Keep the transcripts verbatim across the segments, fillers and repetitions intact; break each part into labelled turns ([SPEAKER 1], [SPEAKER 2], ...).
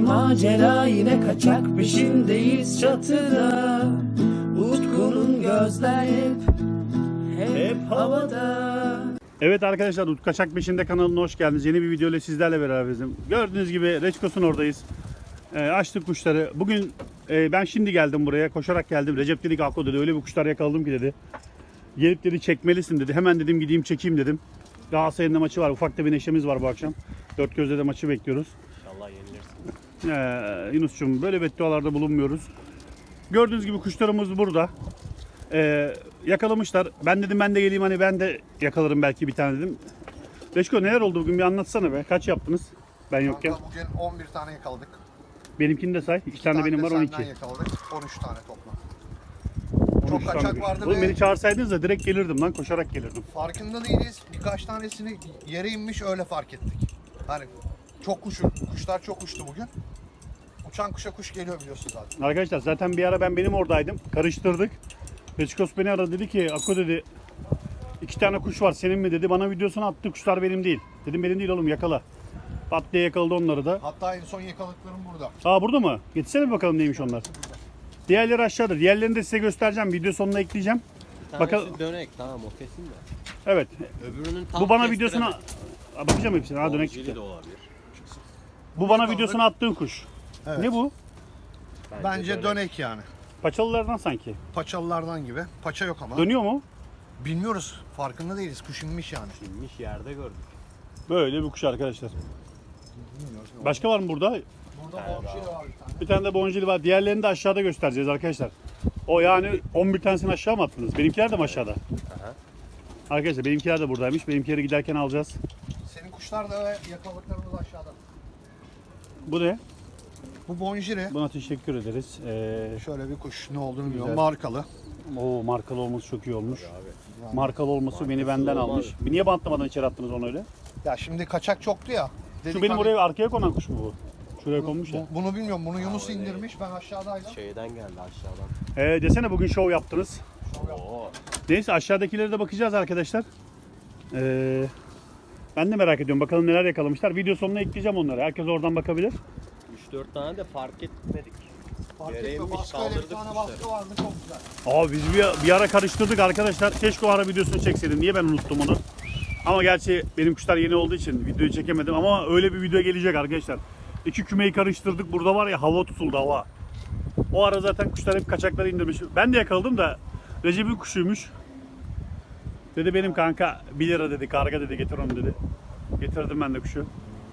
[SPEAKER 1] macera yine kaçak peşindeyiz çatıda. Utku'nun gözler hep, hep havada.
[SPEAKER 2] Evet arkadaşlar, Utku Kaçak Peşinde kanalına hoş geldiniz. Yeni bir video ile sizlerle beraberiz. Gördüğünüz gibi Reçkos'un oradayız. E, açtık kuşları. Bugün e, ben şimdi geldim buraya. Koşarak geldim. Recep dedi ki Akko dedi öyle bir kuşlar yakaladım ki dedi. Gelip dedi çekmelisin dedi. Hemen dedim gideyim çekeyim dedim. Galatasaray'ın da maçı var. Ufak da bir neşemiz var bu akşam. Dört gözle de maçı bekliyoruz.
[SPEAKER 3] İnşallah yenilirsin.
[SPEAKER 2] Ee, Yunus'cum böyle beddualarda bulunmuyoruz. Gördüğünüz gibi kuşlarımız burada. Ee, yakalamışlar. Ben dedim ben de geleyim hani ben de yakalarım belki bir tane dedim. Reçko neler oldu bugün bir anlatsana be. Kaç yaptınız ben yokken?
[SPEAKER 4] Kanka bugün on bir tane yakaladık.
[SPEAKER 2] Benimkini de say. İki tane,
[SPEAKER 4] tane
[SPEAKER 2] benim
[SPEAKER 4] de
[SPEAKER 2] var on iki.
[SPEAKER 4] senden yakaladık. on üç tane toplam.
[SPEAKER 2] on üç
[SPEAKER 4] Çok kaçak
[SPEAKER 2] tane.
[SPEAKER 4] vardı
[SPEAKER 2] Oğlum
[SPEAKER 4] ve
[SPEAKER 2] beni çağırsaydınız da direkt gelirdim lan, koşarak gelirdim.
[SPEAKER 4] farkında değiliz. Birkaç tanesini yere inmiş öyle fark ettik. Hani çok kuş, kuşlar çok uçtu bugün. Uçan kuşa kuş geliyor biliyorsun zaten.
[SPEAKER 2] Arkadaşlar zaten bir ara ben benim oradaydım. Karıştırdık. Reçkos beni aradı dedi ki Akko dedi iki tane kuş var senin mi dedi. Bana videosunu attı, kuşlar benim değil. Dedim benim değil oğlum, yakala. Pat diye yakaladı onları da.
[SPEAKER 4] Hatta en son yakaladıklarım burada.
[SPEAKER 2] Aa burada mı? Getirsene bir bakalım neymiş onlar. Diğerleri aşağıda. Diğerlerini de size göstereceğim. Video sonuna ekleyeceğim.
[SPEAKER 3] Bir
[SPEAKER 2] Bakalım.
[SPEAKER 3] tanesi dönek tamam o kesin de.
[SPEAKER 2] Evet.
[SPEAKER 3] Öbürünün tam
[SPEAKER 2] Bu bana videosuna Aa, bakacağım hepsine. Ha dönek çıktı.
[SPEAKER 3] de olabilir.
[SPEAKER 2] Bu bana videosunu attığın kuş.
[SPEAKER 4] Evet.
[SPEAKER 2] Ne bu?
[SPEAKER 4] Bence dönek yani.
[SPEAKER 2] Paçalılardan sanki.
[SPEAKER 4] Paçalılardan gibi. Paça yok ama.
[SPEAKER 2] Dönüyor mu?
[SPEAKER 4] Bilmiyoruz. Farkında değiliz. Kuş inmiş yani.
[SPEAKER 3] İnmiş yerde gördük.
[SPEAKER 2] Böyle bir kuş arkadaşlar.
[SPEAKER 4] Bilmiyoruz.
[SPEAKER 2] Başka var mı burada?
[SPEAKER 4] Burada bonşiri var bir tane.
[SPEAKER 2] Bir tane de boncili var. Diğerlerini de aşağıda göstereceğiz arkadaşlar. O yani on bir tanesini aşağı mı attınız? Benimkiler de mi aşağıda?
[SPEAKER 3] Aha.
[SPEAKER 2] Arkadaşlar benimkiler de buradaymış. Benimkileri giderken alacağız.
[SPEAKER 4] Senin kuşlar da ve yakaladıklarımız aşağıda.
[SPEAKER 2] Bu ne?
[SPEAKER 4] Bu bonjiri.
[SPEAKER 2] Buna teşekkür ederiz. Ee,
[SPEAKER 4] Şöyle bir kuş, ne olduğunu bilmiyorum.
[SPEAKER 2] Güzel.
[SPEAKER 4] Markalı.
[SPEAKER 2] o markalı olması çok iyi olmuş.
[SPEAKER 4] Yani-
[SPEAKER 2] Markalı olması beni benden
[SPEAKER 3] olmaz.
[SPEAKER 2] almış. Bir niye bantlamadan içeri attınız onu öyle?
[SPEAKER 4] Ya şimdi kaçak çoktu ya.
[SPEAKER 2] Şu
[SPEAKER 4] Dedik
[SPEAKER 2] benim
[SPEAKER 4] hani-
[SPEAKER 2] oraya arkaya konan kuş mu bu? Şuraya
[SPEAKER 4] Bu-
[SPEAKER 2] konmuş ya.
[SPEAKER 4] bu- Bunu bilmiyorum. Bunu Yunus
[SPEAKER 3] öyle.
[SPEAKER 4] indirmiş. Ben aşağıdaydım.
[SPEAKER 3] Şeyden geldi aşağıdan.
[SPEAKER 2] Ee, desene bugün şov yaptınız.
[SPEAKER 3] Oo.
[SPEAKER 2] Neyse aşağıdakilere de bakacağız arkadaşlar. Ee, ben de merak ediyorum. Bakalım neler yakalamışlar. Video sonuna ekleyeceğim onları. Herkes oradan bakabilir.
[SPEAKER 3] üç dört tane de fark etmedik.
[SPEAKER 4] Fark
[SPEAKER 3] Yere
[SPEAKER 4] etme.
[SPEAKER 3] inmiş,
[SPEAKER 4] Baskı öyle bir
[SPEAKER 3] kaldırdık
[SPEAKER 4] tane
[SPEAKER 3] kuşları.
[SPEAKER 4] baskı vardı. Çok güzel.
[SPEAKER 2] Aa biz bir, bir ara karıştırdık arkadaşlar. Keşke o ara videosunu çekseydim. Niye ben unuttum onu? Ama gerçi benim kuşlar yeni olduğu için videoyu çekemedim. Ama öyle bir video gelecek arkadaşlar. İki kümeyi karıştırdık. Burada var ya hava tutuldu hava. O ara zaten kuşlar hep kaçakları indirmiş. Ben de yakaladım da Recep'in kuşuymuş. Dedi benim kanka bir lira dedi, karga dedi, getir onu dedi. Getirdim ben de kuşu.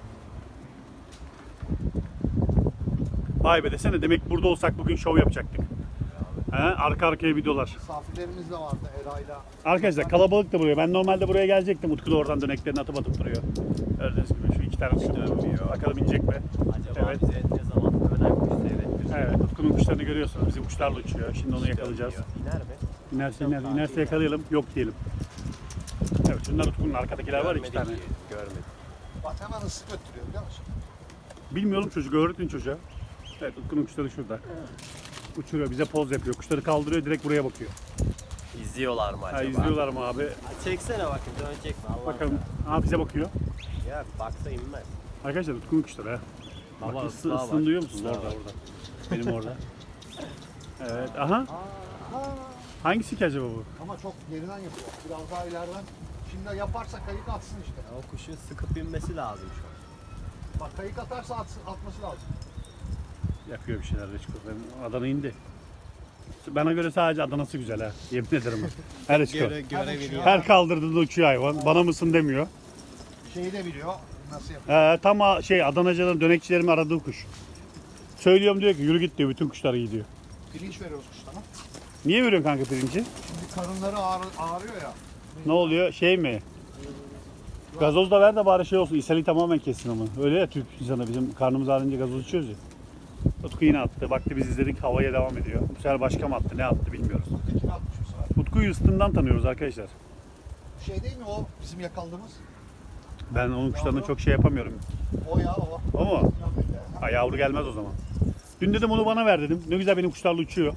[SPEAKER 2] Vay be desene, demek burada olsak bugün şov yapacaktık. He, arka arkaya videolar.
[SPEAKER 4] Misafirlerimiz de vardı Eray'la.
[SPEAKER 2] Arkadaşlar kalabalık da buraya. Ben normalde buraya gelecektim. Utku da oradan döneklerini atıp atıp duruyor. Gördüğünüz gibi şu iki tane kuş dönüyor. Bakalım inecek mi?
[SPEAKER 3] Acaba
[SPEAKER 2] Evet.
[SPEAKER 3] bize ne zaman ölen kuş seyrettirsin?
[SPEAKER 2] Evet, Utku'nun kuşlarını görüyorsunuz. Bizim kuşlarla uçuyor. Şimdi onu yakalayacağız.
[SPEAKER 3] İner mi?
[SPEAKER 2] İnerse iner, inerse yakalayalım. Yok diyelim. Evet, şunlar Utku'nun arkadakiler var iki
[SPEAKER 3] Görmedik
[SPEAKER 2] tane.
[SPEAKER 3] ki, Görmedik.
[SPEAKER 4] Bak hemen ıslık öttürüyor biliyor musun?
[SPEAKER 2] Bilmiyorum çocuk, öğretin çocuğa. Evet, Utku'nun kuşları şurada. Uçuruyor, bize poz yapıyor. Kuşları kaldırıyor, direkt buraya bakıyor.
[SPEAKER 3] İzliyorlar mı acaba?
[SPEAKER 2] Ha, izliyorlar mı abi?
[SPEAKER 3] Ha, çeksene bakın dönecek mi Allah
[SPEAKER 2] Bakalım. Aa bize bakıyor.
[SPEAKER 3] Ya baksa inmez.
[SPEAKER 2] Arkadaşlar Utku'nun kuşları ha.
[SPEAKER 3] Baba,
[SPEAKER 2] Bak, ısı,
[SPEAKER 3] ıslığa
[SPEAKER 2] ısını
[SPEAKER 3] bak.
[SPEAKER 2] duyuyor musunuz?
[SPEAKER 3] Islığa
[SPEAKER 2] Orada
[SPEAKER 3] bak.
[SPEAKER 2] orada. Benim orada. Evet, aha. Hangisi ki acaba bu?
[SPEAKER 4] Ama çok geriden yapıyor. Biraz daha ileriden. Şimdi yaparsa kayık atsın işte.
[SPEAKER 3] Ya o kuşun sıkıp inmesi lazım şu an.
[SPEAKER 4] Bak kayık atarsa atsın, atması lazım.
[SPEAKER 2] Yapıyor bir şeyler Reçko. Ben Adana indi. Bana göre sadece Adana'sı güzel ha. Yemin ederim. Her Reçko.
[SPEAKER 3] Göre, görebiliyor.
[SPEAKER 2] Her kaldırdığında uçuyor hayvan. Bana mısın demiyor.
[SPEAKER 4] Şeyi de biliyor. Nasıl yapıyor?
[SPEAKER 2] Ee, tam a- şey Adanacıların, dönekçilerin aradığı kuş. Söylüyorum diyor ki yürü git diyor. Bütün kuşlar gidiyor.
[SPEAKER 4] Pirinç veriyoruz kuşlara.
[SPEAKER 2] Niye veriyorsun kanka pirinci?
[SPEAKER 4] Şimdi karınları ağrı, ağrıyor ya.
[SPEAKER 2] Ne oluyor? Şey mi? Gazoz da ver de bari şey olsun. İshali tamamen kessin ama. Öyle ya Türk insanı, bizim karnımız ağrınca gazoz içiyoruz ya. Utku yine attı. Baktı biz izledik, havaya devam ediyor. Bu sefer başka mı attı? Ne attı bilmiyoruz.
[SPEAKER 4] Tekini atmış bu sefer.
[SPEAKER 2] Utku'yu ıstından tanıyoruz arkadaşlar.
[SPEAKER 4] Şey değil mi o bizim yakaladığımız?
[SPEAKER 2] Ben onun kuşlarına çok şey yapamıyorum.
[SPEAKER 4] O ya o.
[SPEAKER 2] O mu? Ha, yavru gelmez o zaman. Dün dedim onu bana ver dedim. Ne güzel benim kuşlarla uçuyor.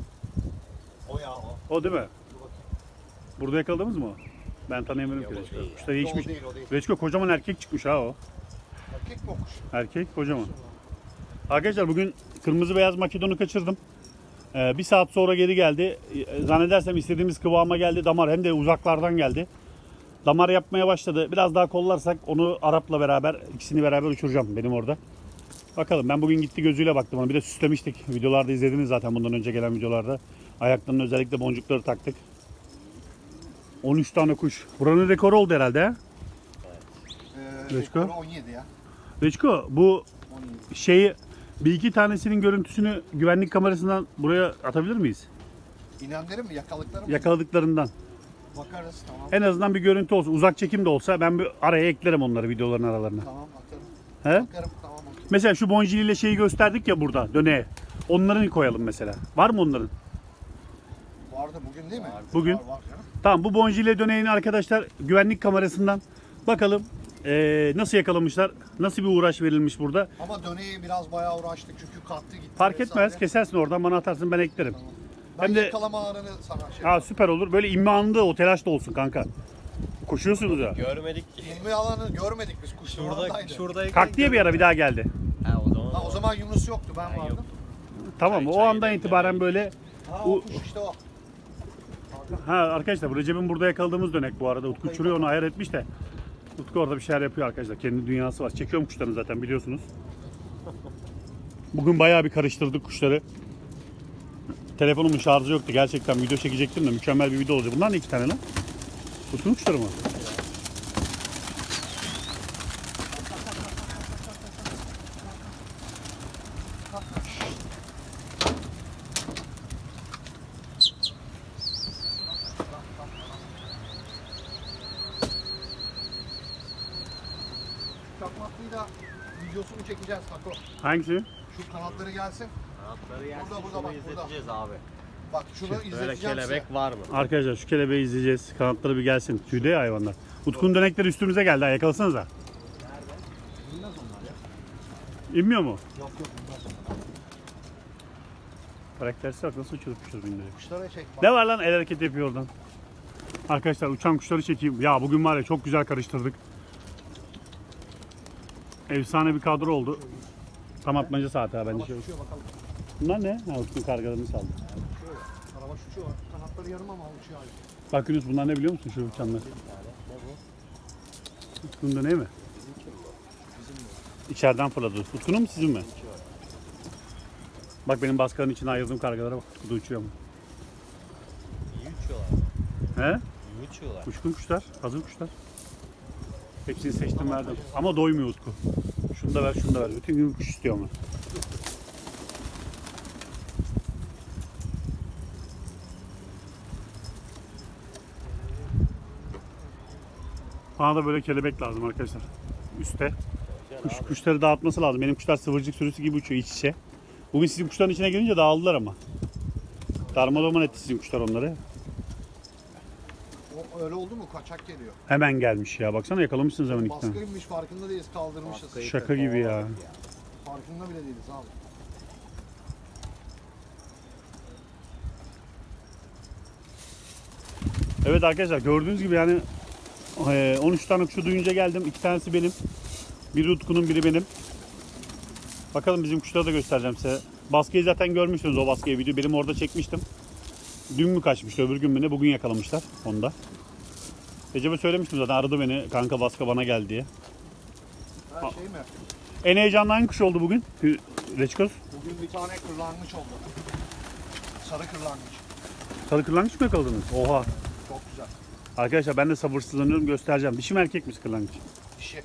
[SPEAKER 4] O ya o.
[SPEAKER 2] O değil mi?
[SPEAKER 4] Dur bakayım.
[SPEAKER 2] Burada yakaladınız mı o? Ben tanıyamıyorum ki
[SPEAKER 3] Yok, o
[SPEAKER 2] Reçko.
[SPEAKER 3] değil.
[SPEAKER 2] Kuşlar değişmiş.
[SPEAKER 4] O değil o değil.
[SPEAKER 2] Reçko kocaman erkek çıkmuş ha o.
[SPEAKER 4] Erkek mi o kuş?
[SPEAKER 2] Erkek kocaman. Arkadaşlar bugün kırmızı beyaz makedonu kaçırdım. Ee, bir saat sonra geri geldi. Ee, Zannedersem istediğimiz kıvama geldi. Damar hem de uzaklardan geldi. Damar yapmaya başladı. Biraz daha kollarsak onu Arap'la beraber, ikisini beraber uçuracağım benim orada. Bakalım, ben bugün gitti gözüyle baktım ona. Bir de süslemiştik. Videolarda izlediniz zaten, bundan önce gelen videolarda. Ayaklarının özellikle boncukları taktık. on üç tane kuş. Buranın rekoru oldu herhalde ha?
[SPEAKER 4] Ee,
[SPEAKER 2] Reçko?
[SPEAKER 4] rekoru on yedi ya.
[SPEAKER 2] Reçko, bu
[SPEAKER 4] on yedi.
[SPEAKER 2] şeyi bir iki tanesinin görüntüsünü güvenlik kamerasından buraya atabilir miyiz?
[SPEAKER 4] İnenleri mi? Yakalıkları mı?
[SPEAKER 2] Yakaladıklarından.
[SPEAKER 4] Bakarız tamam.
[SPEAKER 2] En azından bir görüntü olsun. Uzak çekim de olsa ben bir araya eklerim onları videoların aralarına.
[SPEAKER 4] Tamam atarım.
[SPEAKER 2] He?
[SPEAKER 4] Bakarım tamam. okey.
[SPEAKER 2] Mesela şu boncili ile şeyi gösterdik ya burada, döneğe. Onların koyalım mesela. Var mı onların?
[SPEAKER 4] Vardı bugün değil mi?
[SPEAKER 2] Bugün.
[SPEAKER 4] Var, var canım.
[SPEAKER 2] Tamam, bu boncili döneğini arkadaşlar güvenlik kamerasından bakalım eee, nasıl yakalamışlar, nasıl bir uğraş verilmiş burada.
[SPEAKER 4] Ama döneği biraz bayağı uğraştık çünkü kattı gitti.
[SPEAKER 2] Fark etmez,
[SPEAKER 4] vesaire.
[SPEAKER 2] kesersin oradan, bana atarsın, ben eklerim.
[SPEAKER 4] Tamam. Ben
[SPEAKER 2] Hem de-
[SPEAKER 4] yakalama anını sana şey.
[SPEAKER 2] Ha, süper olur. Böyle inme anında o telaş da olsun kanka. Koşuyorsunuz ya.
[SPEAKER 3] Görmedik ki.
[SPEAKER 4] İlmi alanı görmedik biz kuş
[SPEAKER 3] Şurada,
[SPEAKER 4] oradaydı.
[SPEAKER 3] şuradayken
[SPEAKER 2] Kalk diye bir ara bir daha geldi.
[SPEAKER 3] Ha o zaman.
[SPEAKER 4] Ha, o zaman Yunus yoktu ben
[SPEAKER 3] Ben
[SPEAKER 4] vardım.
[SPEAKER 2] Tamam,
[SPEAKER 3] Çay-
[SPEAKER 2] o
[SPEAKER 3] çay
[SPEAKER 2] andan
[SPEAKER 3] demleme.
[SPEAKER 2] itibaren böyle.
[SPEAKER 4] Ha
[SPEAKER 2] O-
[SPEAKER 4] o kuş işte o.
[SPEAKER 2] Ha arkadaşlar, bu Recep'in burada yakaladığımız dönek bu arada. Utku uçuruyor, onu ayar etmiş de. Utku orada bir şeyler yapıyor arkadaşlar. Kendi dünyası var. Çekiyorum kuşlarını zaten, biliyorsunuz. Bugün bayağı bir karıştırdık kuşları. Telefonumun şarjı yoktu. Gerçekten video çekecektim de mükemmel bir video olacak. Bunlar ne iki tane lan? Utku'nun kuşları mı?
[SPEAKER 4] Çakmaklıyı da videosunu çekeceğiz Tako.
[SPEAKER 2] Hangisi?
[SPEAKER 4] Şu kanatları gelsin.
[SPEAKER 3] Kanatları yersin,
[SPEAKER 4] Burada, burada,
[SPEAKER 3] şunu
[SPEAKER 4] bak, burada.
[SPEAKER 3] izleteceğiz abi.
[SPEAKER 4] Bak şunu
[SPEAKER 3] Böyle
[SPEAKER 4] izleteceğim
[SPEAKER 3] kelebek
[SPEAKER 4] size.
[SPEAKER 3] var mı?
[SPEAKER 2] Arkadaşlar şu kelebeği izleyeceğiz. Kanatları bir gelsin. Tüyde ya hayvanlar. Utku'nun dönekleri üstümüze geldi. Ha, yakalasanıza.
[SPEAKER 4] Bilmez onlar ya.
[SPEAKER 2] İnmiyor mu?
[SPEAKER 4] Yok yok bilmez onlar.
[SPEAKER 2] Karaktersiz bak nasıl uçurup uçurup indiriyor.
[SPEAKER 4] Kuşlara çek bak.
[SPEAKER 2] Ne var lan, el hareketi yapıyor oradan. Arkadaşlar uçan kuşları çekeyim. Ya bugün var ya, çok güzel karıştırdık. Efsane bir kadro oldu. Tam atmaca saati ha bence.
[SPEAKER 4] Araba uçuyor bakalım.
[SPEAKER 2] Bunlar ne? Ha, Utku'nun kargalarını saldı.
[SPEAKER 4] Uçuyor ya. Araba uçuyor. Kanatları yarım ama uçuyor hala.
[SPEAKER 2] Bak Yunus, bunlar ne biliyor musun şu uçanlar?
[SPEAKER 3] Ne bu?
[SPEAKER 2] Utku'nun döneği mi?
[SPEAKER 3] Bizimki mi bu?
[SPEAKER 2] İçeriden fırladı. Utku'nun mu sizin mi? Bak benim baskının içine ayırdığım kargalara bak. Utku da uçuyor mu?
[SPEAKER 3] İyi uçuyorlar.
[SPEAKER 2] He?
[SPEAKER 3] İyi uçuyorlar.
[SPEAKER 2] Uçkun kuşlar, hazır kuşlar. Hepsini seçtim, verdim. Ama doymuyor Utku. Şunu da ver, şunu da ver. Bütün gün kuş istiyor ama. Bana da böyle kelebek lazım arkadaşlar. Üste. Kuş, kuşları dağıtması lazım. Benim kuşlar sıvırcık sürüsü gibi uçuyor iç içe. Bugün sizin kuşların içine girince dağıldılar ama. Darmadağın etti sizin kuşlar onları.
[SPEAKER 4] O öyle oldu mu kaçak geliyor.
[SPEAKER 2] Hemen gelmiş ya. Baksana, yakalamışsınız hemen iki tane.
[SPEAKER 4] Baskıymış farkında değiliz kaldırmışız.
[SPEAKER 3] Baskıyı
[SPEAKER 2] Şaka gibi ya.
[SPEAKER 3] kovaladık
[SPEAKER 4] Farkında bile değiliz abi.
[SPEAKER 2] Evet arkadaşlar, gördüğünüz gibi yani eee, on üç tane kuşu duyunca geldim. İki tanesi benim. Biri Utku'nun, biri benim. Bakalım, bizim kuşları da göstereceğim size. Baskıyı zaten görmüşsünüz, o baskıyı video. Benim orada çekmiştim. Dün mü kaçmıştı, öbür gün mü ne? Bugün yakalamışlar onda. Recep'e söylemiştim zaten, aradı beni. Kanka baska bana geldi diye.
[SPEAKER 4] Her şey mi?
[SPEAKER 2] En heyecanlı hangi kuş oldu bugün? Reçkoz.
[SPEAKER 4] Bugün bir tane kırlangıç oldu. Sarı kırlangıç.
[SPEAKER 2] Sarı kırlangıç mı yakaladınız? Oha.
[SPEAKER 4] Çok güzel.
[SPEAKER 2] Arkadaşlar ben de sabırsızlanıyorum, göstereceğim. Dişi mi erkek mi kırlangıç?
[SPEAKER 4] Dişi.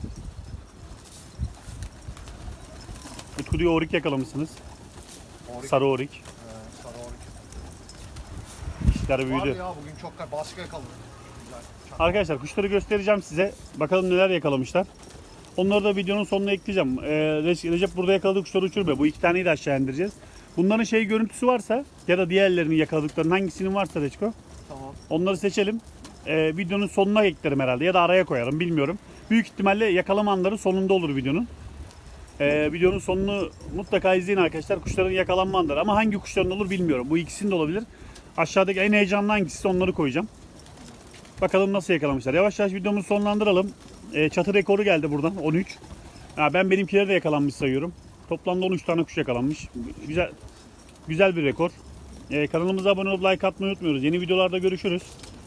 [SPEAKER 2] Utku diyor orik yakalamışsınız.
[SPEAKER 4] Orik.
[SPEAKER 2] Sarı orik.
[SPEAKER 4] Ee, sarı orik.
[SPEAKER 2] Dişler
[SPEAKER 4] Var
[SPEAKER 2] büyüdü.
[SPEAKER 4] ya bugün çok baskı yakaladık. Güzel. Çok-
[SPEAKER 2] Arkadaşlar kuşları göstereceğim size. Bakalım neler yakalamışlar. Onları da videonun sonuna ekleyeceğim. Ee, Re- Recep burada yakaladığı kuşları uçurmuyor. Bu iki taneyi de aşağı indireceğiz. Bunların şey görüntüsü varsa ya da diğerlerinin yakaladıklarının hangisinin varsa Reçko,
[SPEAKER 4] Tamam.
[SPEAKER 2] onları seçelim. Ee, videonun sonuna eklerim herhalde ya da araya koyarım, bilmiyorum. Büyük ihtimalle yakalama anları sonunda olur videonun. Ee, videonun sonunu mutlaka izleyin arkadaşlar. Kuşların yakalanma anları, ama hangi kuşların olur bilmiyorum. Bu ikisinin de olabilir. Aşağıdaki en heyecanlı hangisi, onları koyacağım. Bakalım nasıl yakalamışlar. Yavaş yavaş videomuzu sonlandıralım. Ee, çatı rekoru geldi buradan, on üç. Ya ben benimkileri de yakalanmış sayıyorum. Toplamda on üç tane kuş yakalanmış. Güzel güzel bir rekor. Ee, kanalımıza abone olup like atmayı unutmuyoruz. Yeni videolarda görüşürüz.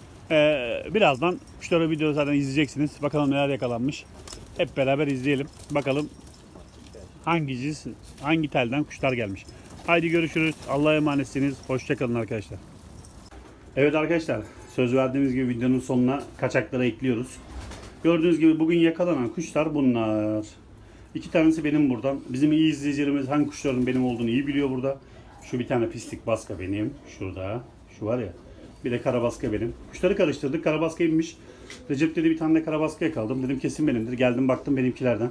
[SPEAKER 2] Ee, birazdan kuşları video zaten izleyeceksiniz. Bakalım neler yakalanmış. Hep beraber izleyelim. Bakalım hangi cins, hangi telden kuşlar gelmiş. Haydi görüşürüz. Allah'a emanetsiniz. Hoşçakalın arkadaşlar. Evet arkadaşlar, söz verdiğimiz gibi videonun sonuna kaçakları ekliyoruz. Gördüğünüz gibi bugün yakalanan kuşlar bunlar. İki tanesi benim buradan. Bizim iyi izleyicilerimiz hangi kuşların benim olduğunu iyi biliyor burada. Şu bir tane pislik baska benim. Şurada. Şu var ya. Bir de karabaska benim. Kuşları karıştırdık. Karabaska inmiş. Recep dedi bir tane de karabaska yakaladım. Dedim kesin benimdir. Geldim baktım benimkilerden.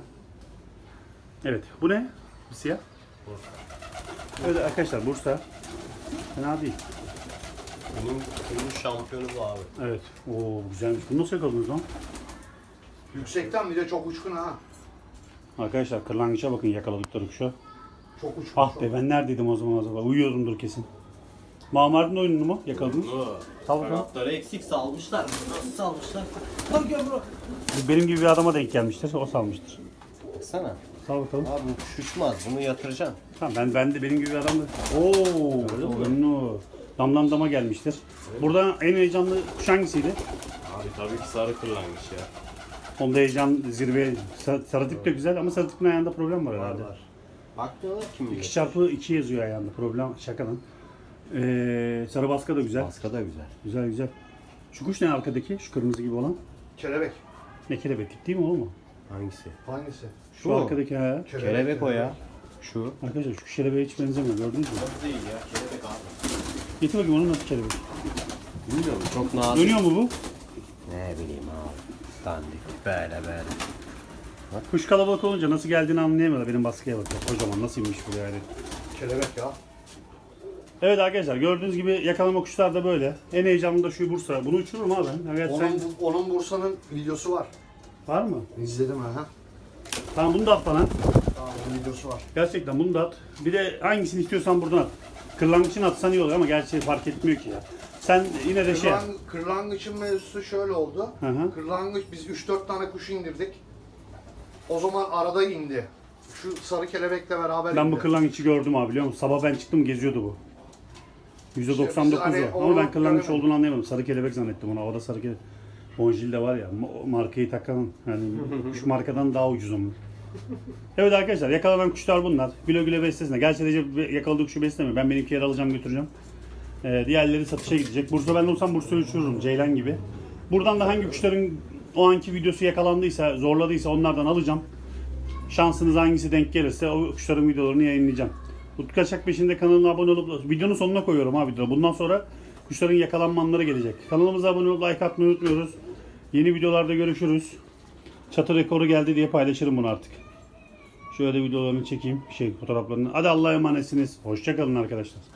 [SPEAKER 2] Evet. Bu ne? Bir siyah. Bursa. Evet arkadaşlar Bursa. Fena değil.
[SPEAKER 3] Bunun, bunun şampiyonu bu abi.
[SPEAKER 2] Evet. Oo güzelmiş. Bunu nasıl yakaladınız lan?
[SPEAKER 4] Yüksekten bir de çok uçkun ha.
[SPEAKER 2] Arkadaşlar kırlangıça bakın yakaladıkları kuşa.
[SPEAKER 4] Çok uçkun.
[SPEAKER 2] Ah
[SPEAKER 4] çok.
[SPEAKER 2] be ben neredeydim o zaman acaba? Uyuyordumdur kesin. Mamard'ın oyununu mu yakaladınız? Sal bakalım.
[SPEAKER 3] Kanatları eksik salmışlar. Nasıl salmışlar? Bak gel bro.
[SPEAKER 2] Benim gibi bir adama denk gelmiştir. O salmıştır.
[SPEAKER 3] Baksana.
[SPEAKER 2] Sal bakalım.
[SPEAKER 3] Abi bu kuş uçmaz. Bunu yatıracaksın.
[SPEAKER 2] Tamam ben ben de benim gibi bir adam da. Oo, oyunu. Damdan dama gelmiştir. Burada en heyecanlı kuş hangisiydi?
[SPEAKER 5] Abi tabii ki sarı kırlangıç ya.
[SPEAKER 2] Onda heyecan zirve. Sar- Sarıtık da güzel ama sarıtıkın ayağında problem var herhalde.
[SPEAKER 3] Bak diyorlar kim bilir.
[SPEAKER 2] iki çarpı iki yazıyor ayağında. Problem şakadan. Ee, sarı baska da güzel.
[SPEAKER 3] Baska da güzel.
[SPEAKER 2] Güzel güzel. Şu kuş ne arkadaki? Şu kırmızı gibi olan.
[SPEAKER 4] Kelebek.
[SPEAKER 2] Ne kelebek değil mi oğlum o?
[SPEAKER 3] Hangisi?
[SPEAKER 4] Hangisi?
[SPEAKER 2] Şu
[SPEAKER 3] mu?
[SPEAKER 2] arkadaki ha.
[SPEAKER 3] Kelebek o ya. Şu.
[SPEAKER 2] Arkadaşlar şu kelebeğe hiç benzemiyor gördünüz mü?
[SPEAKER 3] Değil ya. Kelebek abi.
[SPEAKER 2] Getir bakayım onun nasıl kelebek.
[SPEAKER 3] Bilmiyorum. Çok nazik.
[SPEAKER 2] Dönüyor mu bu?
[SPEAKER 3] Ne bileyim abi. Dandik. Böyle böyle.
[SPEAKER 2] Kuş kalabalık olunca nasıl geldiğini anlayamıyorlar. Benim baskıya bakıyor. Kocaman nasıl inmiş buraya yani.
[SPEAKER 4] Kelebek ya.
[SPEAKER 2] Evet arkadaşlar gördüğünüz gibi yakalama kuşlar da böyle. En heyecanlı da şu Bursa. Bunu uçururum abi ben. Evet, sen...
[SPEAKER 4] Onun, onun Bursa'nın videosu var.
[SPEAKER 2] Var mı?
[SPEAKER 4] İzledim ha.
[SPEAKER 2] Tamam bunu da at bana.
[SPEAKER 4] Tamam, onun videosu var.
[SPEAKER 2] Gerçekten bunu da at. Bir de hangisini istiyorsan buradan at. Kırlangıçın atsan iyi oluyor ama gerçi fark etmiyor ki ya. Sen yine de şey yap.
[SPEAKER 4] Kırlang, kırlangıçın mevzusu şöyle oldu.
[SPEAKER 2] Hı hı.
[SPEAKER 4] Kırlangıç biz üç dört tane kuş indirdik. O zaman arada indi. Şu sarı kelebekle beraber
[SPEAKER 2] Ben
[SPEAKER 4] indi.
[SPEAKER 2] bu kırlangıçı gördüm abi biliyor musun? Sabah ben çıktım geziyordu bu. yüzde doksan dokuz
[SPEAKER 4] İşte biz hani
[SPEAKER 2] o. Ama ben
[SPEAKER 4] onu
[SPEAKER 2] kırlangıç
[SPEAKER 4] göremedik.
[SPEAKER 2] olduğunu anlayamadım. Sarı kelebek zannettim onu. Havada sarı kelebek. Bonjil de var ya ma- markayı takan yani şu markadan daha ucuz onun. Evet arkadaşlar yakalanan kuşlar bunlar. Güle güle beslesinler. Gerçi Recep yakaladığı kuşu beslemiyor. Ben benimkileri alacağım götüreceğim. Ee, diğerleri satışa gidecek. Bursa ben olsam Bursa'yı uçururum. Ceylan gibi. Buradan da hangi kuşların o anki videosu yakalandıysa, zorladıysa onlardan alacağım. Şansınız hangisi denk gelirse o kuşların videolarını yayınlayacağım. Utku Kaçak peşinde kanalına abone olup videonun sonuna koyuyorum ha videoda. Bundan sonra kuşların yakalanma anları gelecek. Kanalımıza abone olup like atmayı unutmuyoruz. Yeni videolarda görüşürüz. Çatı rekoru geldi diye paylaşırım bunu artık. Şöyle videolarını çekeyim. Şey fotoğraflarını. Hadi Allah'a emanetsiniz. Hoşça kalın arkadaşlar.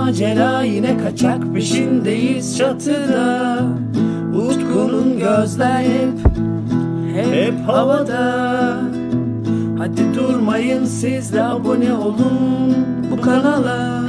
[SPEAKER 1] macera yine kaçak peşindeyiz çatıda. Utku'nun gözler hep hep havada. Hadi durmayın siz de abone olun bu kanala.